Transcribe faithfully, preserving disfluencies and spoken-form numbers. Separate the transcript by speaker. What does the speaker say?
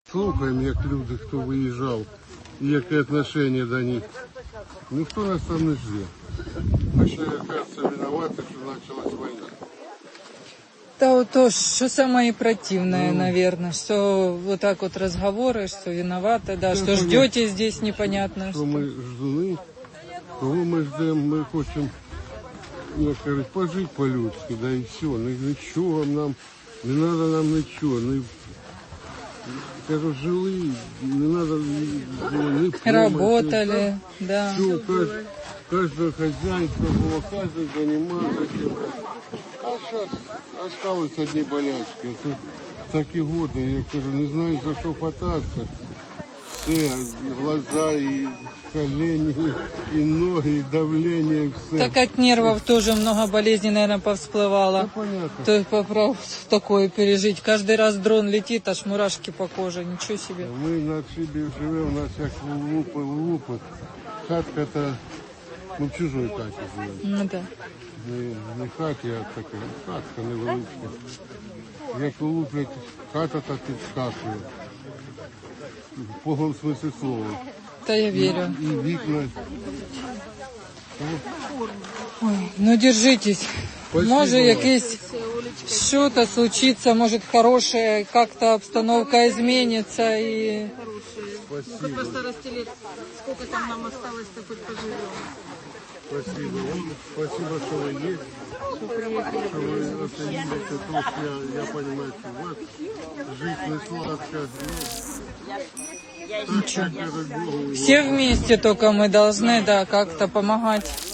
Speaker 1: Слухаємо, як люди, хто виїжджав, і яке відношення до них. Ніхто нас там не жде. Ми ще, кажется, винуваті, що почалась війна.
Speaker 2: Да, вот то, что самое противное, ну, наверное, что вот так вот разговоры, что виноваты, да, что ждете здесь непонятно.
Speaker 1: Что мы ждуны, кого мы ждем, мы хотим, я кажу, пожить по-людски, да и все. Ничего нам, не надо нам ничего. Не, кажу, жили, не надо ни помощи.
Speaker 2: Работали,
Speaker 1: ни,
Speaker 2: да.
Speaker 1: Все, каждый, каждое хозяйство было, каждый занимался чем-то. А сейчас осталось одни болячки. Тут такі годы, я кажу, не знаю, за що хвататься. Все, глаза, и колени, и ноги, и давление, и все.
Speaker 2: Так от нервов тоже много болезней, наверное, повсплывало.
Speaker 1: Ну, понятно.
Speaker 2: То есть поправ такое пережить. Каждый раз дрон летит, аж мурашки по коже, ничего себе.
Speaker 1: Мы на отшибе живем, у нас як лупи, лупи. Хатка-то, ну, в чужой хаті живемо.
Speaker 2: Ну да.
Speaker 1: Не, не хаті, а така хатка невеличка. Як луплять, хата так підскакує. В повному смислі слова.
Speaker 2: Да я верю.
Speaker 1: І вікна.
Speaker 2: Ой, ну держитесь.
Speaker 1: Спасибо.
Speaker 2: Может, якесь что-то случится, может, хорошее, как-то обстановка изменится и...
Speaker 1: Спасибо.
Speaker 3: Просто расстелить, сколько там нам осталось, так хоть поживем.
Speaker 1: Спасибо вам. Спасибо, что вы есть. Что вы оценили то, что я, я понимаю, что у вас жизнь не сладкая.
Speaker 2: Ничего. Все вместе только мы должны, да, как-то помогать.